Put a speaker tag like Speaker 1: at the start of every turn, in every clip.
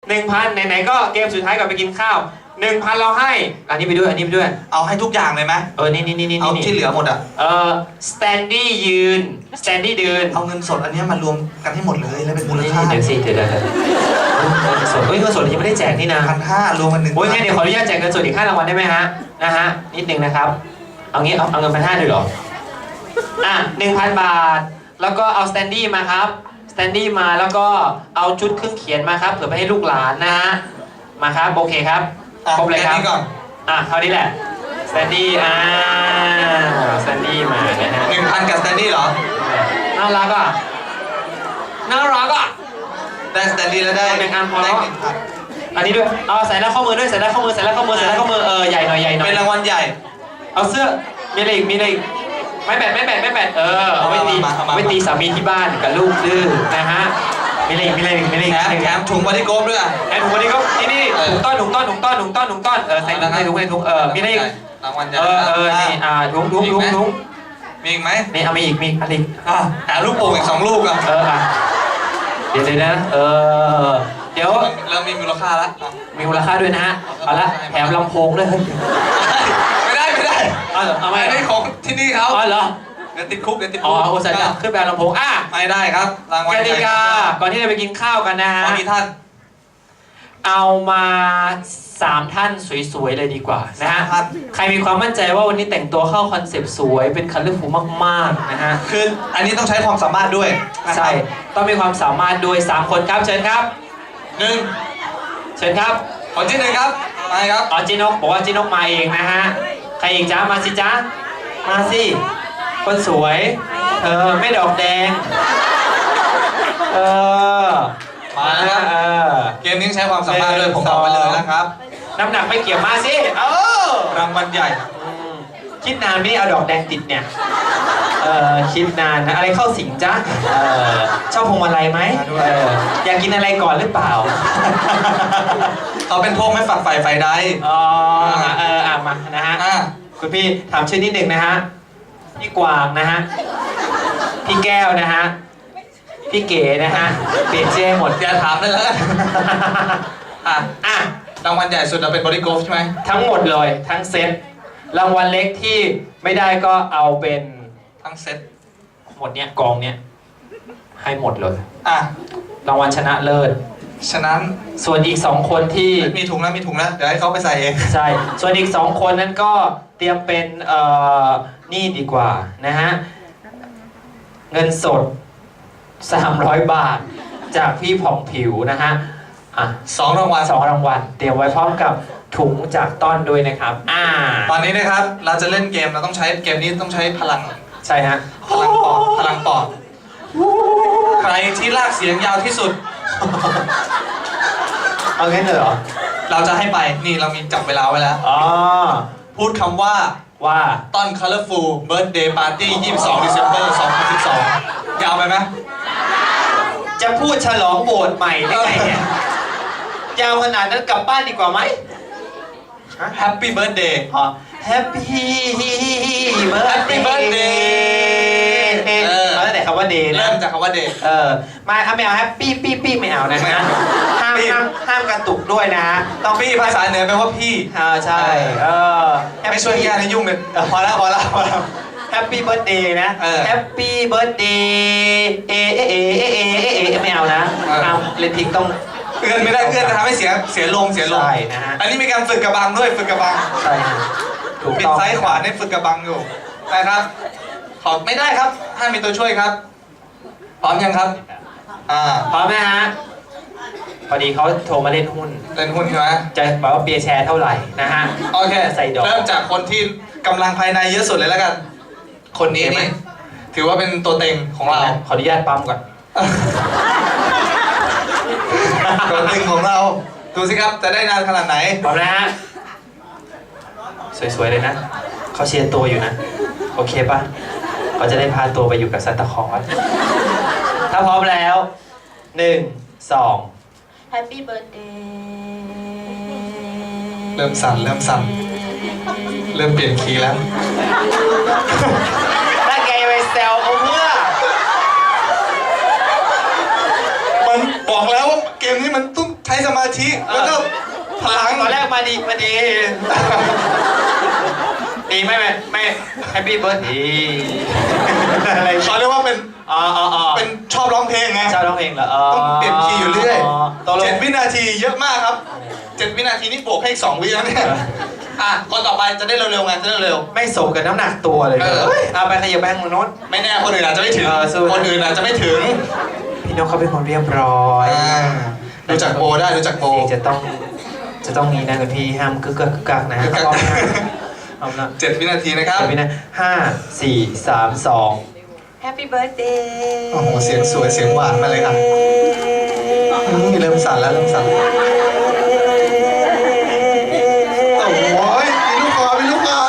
Speaker 1: 1,000ไหนๆก็เกมสุดท้ายก่อนไปกินข้าว 1,000เราให้อันนี้ไปด้วยอันนี้ไปด้วย
Speaker 2: เอาให้ทุกอย่างเลยไหม
Speaker 1: นี่
Speaker 2: เอาที่เหลือหมดอ่ะ
Speaker 1: สแตนดี้ยืนสแตนดี้เดิน
Speaker 2: เอาเงินสดอันนี้มารวมกันให้หมดเลยแล้วเป็นมูลค่า
Speaker 1: เดี๋ยวเงินสดเงินสดยังไม่ได้แจกนี่นะ
Speaker 2: 1,500รวมกัน1,000โอ้ย
Speaker 1: งั้นเดี๋ยวขออนุญาตแจกเงินสดอีก5 รางวัลได้ไหมฮะนิดนึงนะครับเอางี้เอาเงิน1,500เลยเหรอ1,000 บาทแล้วก็เอาสแตนดี้มาครับสแตนดี้มาแล้วก็เอาชุดเครื่องเขียนมาครับเผื่อไปให้ลูกหลานนะฮะมาครับโอเคครับครบเลยครับเท่านี้แหละสแตนดี้สแตนดี้มานะฮะ
Speaker 2: 1,000กับสแตนดี้เหรอ
Speaker 1: น่ารักอ่ะ
Speaker 2: ได้สแตนดี้แล้วได้
Speaker 1: 1,000พอแล้วอันนี้ด้วยเอาใส่หน้าข้อมือด้วยใส่หน้าข้อมือใหญ่หน่อย
Speaker 2: เป็นรางวัลใหญ่
Speaker 1: เอาเสื้อมีอะไรอีกไม่แบดเอาไว้ตีสามีที่บ้านกับลูกดื้อนะฮะมีอะไร
Speaker 2: แถมถุงบอดี้โกฟด้วย
Speaker 1: แถมถุงบอดี้โกฟนี่ถุงต้อนใส่ถุงมีอะไรอีก
Speaker 2: รางวัลใหญ่
Speaker 1: นี่ถุง
Speaker 2: มีอีกไหม
Speaker 1: นี่เอามีอีกอะไรอีก
Speaker 2: หาลูกโป่งอีก2 ลูก
Speaker 1: เดี๋ยวนะเดี๋ยว
Speaker 2: เรามีมูลค่าละ
Speaker 1: มีมูลค่าด้วยนะฮะเอาละแถมลำโพงด้วย
Speaker 2: ไม่ได้
Speaker 1: เอาไม่
Speaker 2: ได้ของที่นี่เขา
Speaker 1: เหรอ
Speaker 2: เดี๋ยวติดคุก
Speaker 1: โอ้ใส่ขึ้นไปลำโพง
Speaker 2: ไม่ได้ครับรางวัล
Speaker 1: กติกาก่อนที่จะไปกินข้าวกันนะฮะ
Speaker 2: มีท่าน
Speaker 1: เอามา3 ท่านสวยๆเลยดีกว่านะฮะใครมีความมั่นใจว่าวันนี้แต่งตัวเข้าคอนเซปต์สวยเป็นคัลเลอร์ฟูลมากๆนะฮะ
Speaker 2: คืออันนี้ต้องใช้ความสามารถด้วย
Speaker 1: ใช่ต้องมีความสามารถด้วย3 คนครับเชิญครับเชิญครับ
Speaker 2: คนที่1ครับมาครับ
Speaker 1: จินกบอกว่าจินกมาเองนะฮะใครอีกจ้ามาสิจ้ามาสิคนสวยไม่ดอกแดง
Speaker 2: มาแล้วเกมนี้ใช้ความสามารถด้วยผมบอกไปเลยนะครับ
Speaker 1: น้ำหนักไม่เกี่ยวมาสิ
Speaker 2: รางวัลใหญ่
Speaker 1: คิดนานไม่ได้เอาดอกแดงติดเนี่ยคิดนานนะอะไรเข้าสิงจ้าชอบพวงมาลัยไหมอยากกินอะไรก่อนหรือเปล่า
Speaker 2: เขาเป็นพวกไม่ฝักใฝ่ไฟใด
Speaker 1: มานะฮะคุณพี่ถามชื่อนิดหนึ่งนะฮะพี่กวางนะฮะพี่แก้วนะฮะพี่เก๋นะฮะเปลี่ยนชื่อหมด
Speaker 2: อย่าถามได้แล้วรางวัลใหญ่สุดเราเป็นบอดี้โกฟใช่ไหม
Speaker 1: ทั้งหมดเลยทั้งเซตรางวัลเล็กที่ไม่ได้ก็เอาเป็น
Speaker 2: ทั้งเซต
Speaker 1: หมดเนี้ยกองเนี้ยให้หมดเลยรางวัลชนะเลิศ
Speaker 2: ฉะนั้น
Speaker 1: ส่วนอีก2 คนที่
Speaker 2: มีถุงแล้วเดี๋ยวให้เขาไปใส่เอง
Speaker 1: ใช่ส่วนอีก2 คนนั้นก็เตรียมเป็นนี่ดีกว่านะฮะเงินสด300 บาทจากพี่ผ่องผิวนะฮะ
Speaker 2: 2 รางวัล
Speaker 1: เตรียมไว้พร้อมกับถุงจากต้อนด้วยนะครับ
Speaker 2: ตอนนี้นะครับเราจะเล่นเกมเราต้องใช้เกมนี้ต้องใช้พลัง
Speaker 1: ใช่ฮะ
Speaker 2: พลังปอดใครที่ลากเสียงยาวที่สุด
Speaker 1: เอางั้นเลยเหรอ
Speaker 2: เราจะให้ไปนี่เรามีจับเวลาไว้แล้วพูดคำว่าต้น Colorful Birthday Party 22 December 2012 ยาวไปไหม
Speaker 1: จะพูดฉลองโบสถ์ใหม่ได้ไงเนี่ยยาวขนาดนั้นกลับบ้านดีกว่าไหม
Speaker 2: Happy Birthday
Speaker 1: Happy Birthday เอาแต่คำว่า day
Speaker 2: เริ่มจากคำว่า day
Speaker 1: ไม่เอา Happy ปี้ไม่เอานะห้ามกระตุกด้วยนะ
Speaker 2: ต้องปี้ภาษาเหนือแปลว่าพี่
Speaker 1: ใช่
Speaker 2: ไม่ช่วยแก้ให้ยุ่งเลยพอแล้ว
Speaker 1: Happy Birthday นะ Happy Birthday ไม่เอานะเล่นทิ้งต้อง
Speaker 2: เอื้อนไม่ได้เอื้อนจะทำให้เสียลมใช่
Speaker 1: นะฮะ
Speaker 2: อันนี้มีการฝึกกระบังด้วยฝึกกระบัง
Speaker 1: ใช่
Speaker 2: ปิดซ้ายขวาเนี่ยฝึกกระบังอยู่นะครับขอไม่ได้ครับห้ามมีตัวช่วยครับพร้อมยังครับ
Speaker 1: พร้อมไหมฮะพอดีเขาโทรมาเล่นหุ้น
Speaker 2: ใช่ไหม
Speaker 1: จะบอกว่าเปียร์แชร์เท่าไหร่นะฮะ
Speaker 2: โอเค
Speaker 1: ใส่ดอก
Speaker 2: เริ่มจากคนที่กำลังภายในเยอะสุดเลยแล้วกันคนนี้นี่ถือว่าเป็นตัวเต็งของเรา
Speaker 1: ขออนุญาตปั๊มก่อน
Speaker 2: ตัวเต็งของเราดูสิครับจะได้นานขนาดไหน
Speaker 1: พร้อมนะฮะสวยๆเลยนะเขาเชียร์ตัวอยู่นะโอเคป่ะเขาจะได้พาตัวไปอยู่กับซันตาคลอสถ้าพร้อมแล้ว1 2
Speaker 3: Happy Birthday
Speaker 2: เริ่มสั่นเริ่มเปลี่ยนคีย์แล้ว
Speaker 1: ถ้าแกไปแซวเขาเพื่อ
Speaker 2: มันบอกแล้วว่าเกมนี้มันต้องใช้สมาธิแล้วก็พลัง
Speaker 1: ตอนแรกมาดีดีไม่แฮปปี้เบิร์ดดีอะไร
Speaker 2: เขาเรียกว่าเป็น เป็นชอบร้องเพลงไง
Speaker 1: ชอบร้องเพลงเหรอ
Speaker 2: ต้องเปลี่ยนคีย์อยู่เรื่อย
Speaker 1: ตกลง
Speaker 2: 7 วินาทีเยอะมากครับ 7 วินาทีนี่บวกให้อีก2 วิแล้วเนี่ยคนต่อไปจะได้เร็วๆไงจะได้เร็ว
Speaker 1: ไม่สมกับน้ำหนักตัวเลยเอาไปขยับไปทางโน้น
Speaker 2: ไม่แน่คนอื่นอาจจะไม่ถึง
Speaker 1: สู้
Speaker 2: คนอื่นอาจจะไม่ถึง
Speaker 1: พี่นกเขาเป็นคนเรียบร้อย
Speaker 2: ดูจากโบได้ดูจากโบ
Speaker 1: จะต้องนี้นะคุณพี่ห้ามกึกกักนะ
Speaker 2: กึกกัก
Speaker 1: เอานะ
Speaker 2: 7 วินาทีนะครับ
Speaker 1: เดี๋ยวพี่นะ5 4 3 2
Speaker 3: Happy birthday
Speaker 2: โอ้โหเสียงสวยเสียงหวานมาเลยครับเริ่มสั่นแล้วเริ่มสั่นโอ้โหมีลูกคอมีลูกคอ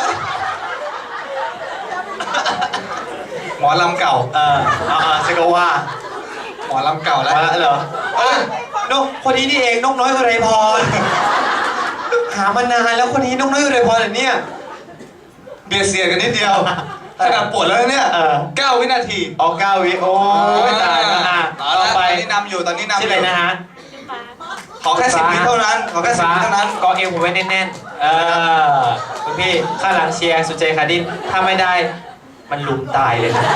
Speaker 2: หมอลำเก่า
Speaker 1: เซกว่า
Speaker 2: หมอลำเก่าแล้ว
Speaker 1: มาแล้วเหรอนกคนนี้นี่เองนกน้อยอุไรพรหามานานแล้วคนนี้นกน้อยอุไรพรเหรอเนี่ย
Speaker 2: เบียดเสียดกันนิดเดียวขนาดปวดแล้วเนี่ย9 วินาที
Speaker 1: ออก9 วิโอ้ยตายแล้วต่อไป
Speaker 2: ตอนนี้นำอยู่ตอนนี้นำอ
Speaker 1: ชื่ออะไร
Speaker 2: ยู่
Speaker 1: นะฮะ
Speaker 2: ขอแค่10 วิเท่านั้นขอแค่10 วิเท่านั้น
Speaker 1: กอเอวผมไว้แน่นๆคุณพี่ข้างหลังเชียร์สุเจคาดินถ้าไม่ได้มันลุมตายเลยนะ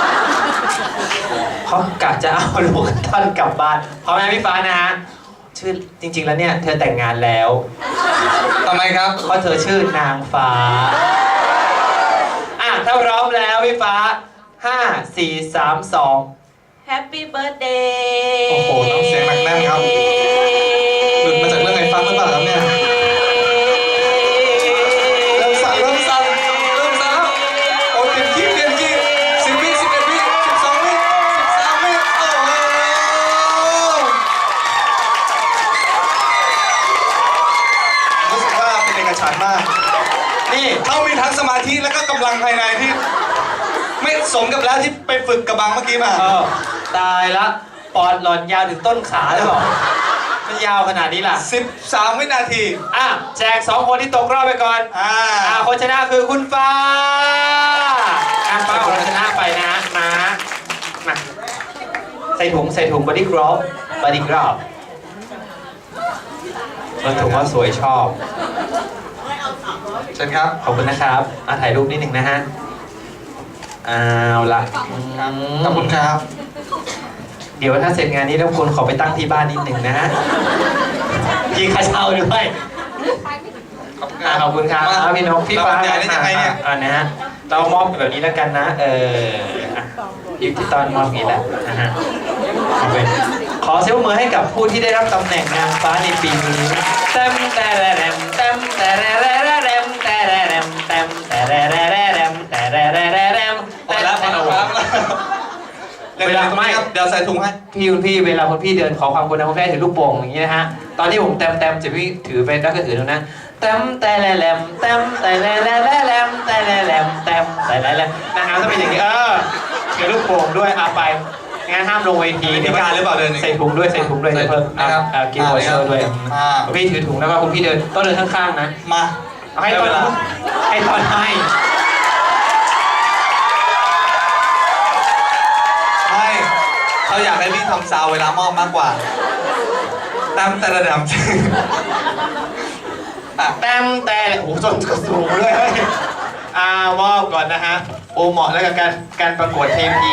Speaker 1: เขากะจะเอาลูกท่านกลับบ้านพร้อมไหมพี่ฟ้านะฮะชื่อจริง ๆแล้วเนี่ยเธอแต่งงานแล้ว
Speaker 2: ทำไมครับ
Speaker 1: เพราะเธอชื่อนางฟ้าถ้าพร้อมแล้วพี่ฟ้า5 4 3 2
Speaker 3: Happy birthday
Speaker 2: โอ้โหน้ำเสียงหนักแน่นครับ หลุดมาจากเรื่องไอ้ฟังหรือเปล่าครับเนี่ยเริ่มสั่นแล้วโอ้เปลี่ยนคีย์10 วิ11 วิ12 วิ13 วิโอ้โหรู้สึกว่าเป็นเอกฉันท์มาก
Speaker 1: นี่
Speaker 2: เขามีทั้งสมาธิแล้วก็กำลังภายในที่ ไม่สมกับแล้วที่ไปฝึกกระบังเมื่อกี้มา
Speaker 1: ตายละปอดหล่อนยาวถึงต้นขาเลยเหรอมันยาวขนาดนี้ล่ะ
Speaker 2: 13 วินาที
Speaker 1: แจก2 คนที่ตกรอบไปก่อนคนชนะคือคุณฟ้าฟ้าของเราชนะไปนะมาใส่ถุงบอดี้กรอบบอดี้กรอบถุงว่าสวยชอบ
Speaker 2: เชิญครับ
Speaker 1: ขอบคุณนะครับถ่ายรูปนิดหนึ่งนะฮะเอาละ
Speaker 2: ขอบคุณครับ
Speaker 1: เดี๋ยวถ้าเสร็จงานนี้แล้วคุณขอไปตั้งที่บ้านนิดหนึ่งนะฮะมีค่าเช่าด้วย ขอบคุณครับพี่นกพี่ฟ้า
Speaker 2: ได้ยังไงเนี่ย
Speaker 1: นะฮะเรามอบแบบนี้แล้วกันนะพี่ที่ตอนมอบอย่างนี้แหละนะฮะขอเสียงมือให้กับผู้ที่ได้รับตำแหน่งนางฟ้าในปีนี้เต็มแต่แรมเต็มแต่แรมแต่แรมเต็มแต่แรมแต่แรม
Speaker 2: พอแล้วเวลาไม่ครับเดี๋ยวใส่ถุงให้
Speaker 1: คุณพี่เวลาคุณพี่เดินขอความกรุณาคุณแม่ถือลูกโป่งอย่างนี้นะฮะตอนที่ผมเต็มจะพี่ถือไปแล้วก็ถือตรงนั้นเต็มแต่แรมเต็มแต่แรมแต่แรมเต็มแต่แรมนะครับต้องเป็นอย่างนี้ถือลูกโป่งด้วยไปงั้นห้ามลงเวที
Speaker 2: มีการหรือเปล่าเดิน
Speaker 1: ใส่ถุงด้วยเพิ่มนะครับกินหัวเชอร์ด้วยคุณพี่ถือถุงแล้วก็คุณพี่เดินต้องเดินข้างๆนะ
Speaker 2: มา
Speaker 1: เอาให้ตอนให้
Speaker 2: ไม่เขาอยากให้พี่ทำซาวเวลามอบมากกว่าตามแต่ระดับ
Speaker 1: แต่โอ้โหจนกระสูงเลยมอบก่อนนะฮะโอเหมาะแล้วกับการประกวดเทพี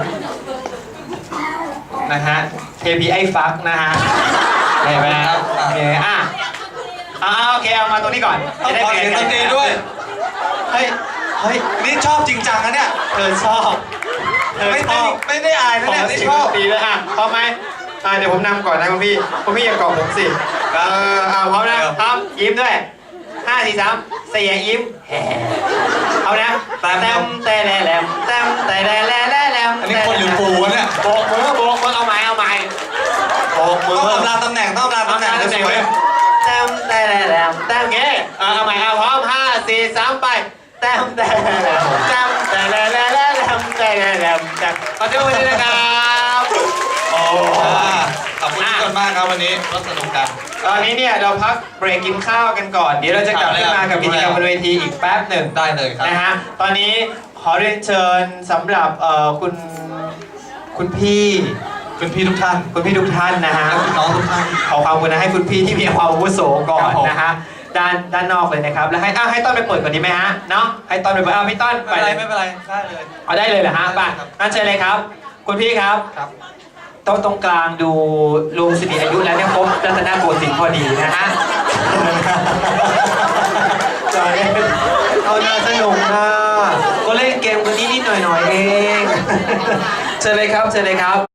Speaker 1: นะฮะเทพีไอ้ฟักนะฮะเห็นไหมครับโอเคโอเคเอามาตรงนี้ก่อน
Speaker 2: ต้องขอเสียงดนตรีด้วย
Speaker 1: เฮ้ย
Speaker 2: นี่ชอบจริงจังนะเนี่ย
Speaker 1: เธอชอบ
Speaker 2: ไม่ได้อายนะเนี่ยนี่ชอบ
Speaker 1: ตีเลยพร้อมไหมเดี๋ยวผมนำก่อนนะคุณพี่อย่าเกาะผมสิพร้อมนะพร้อมยิ้มด้วย5 4 3 4ยิ้มเอานะเต็มแต่แรมเต็มแต่แรม
Speaker 2: อันนี้คนหรือปูวะเนี่ย
Speaker 1: โบกมือเอาใหม่โบกมือ
Speaker 2: ต้องอำลาตำแหน่งจะสวย
Speaker 1: เต็มแต่แรมเต็มเก๋เอาใหม่พร้อม5 4 3ไปเต็มแต่แรมเต็มแต่แรมขอโทษด้วยนะครับ
Speaker 2: ขอบคุณทุกคนมากครับวันนี้ก็สนุกกัน
Speaker 1: ตอนนี้เนี่ยเราพักเบรกกินข้าวกันก่อนเดี๋ยวเราจะกลับขึ้นมากับกิจกรรมบนเวทีอีกแป๊บหนึ่ง
Speaker 2: ได้เลยครับ
Speaker 1: นะฮะตอนนี้ขอเรียนเชิญสำหรับคุณพี่
Speaker 2: คุณพี่ทุกท่าน
Speaker 1: คุณพี่ทุกท่านนะฮะ
Speaker 2: และคุณน้องทุกท่าน
Speaker 1: ขอความกรุณาให้คุณพี่ที่มีความอาวุโสก่อ
Speaker 2: ครั
Speaker 1: น
Speaker 2: บผม
Speaker 1: นะฮะด้านนอกเลยนะครับแล้วให้ต้นไปเปิดก่อนดีไหมฮะเนาะให้ต้นไปเปิดพี่ต้น
Speaker 2: ไม่เป็นไรไม่เป็นไรได้เลย
Speaker 1: เอาได้เลยเหรอฮะป่ะ
Speaker 2: ครับ
Speaker 1: งั้นเชิญเลยครับ คุณพี่ครับ
Speaker 2: ครับ
Speaker 1: โต๊ะตรงกลางดูลุงสิริอายุแล้วเนี่ยครบรัตนโกสินทร์พอดีนะฮะจอยเอาน่าสนุกนะก็เล่นเกมกันนิดๆหน่อยๆเองเชิญเลยครับเชิญเลยครับ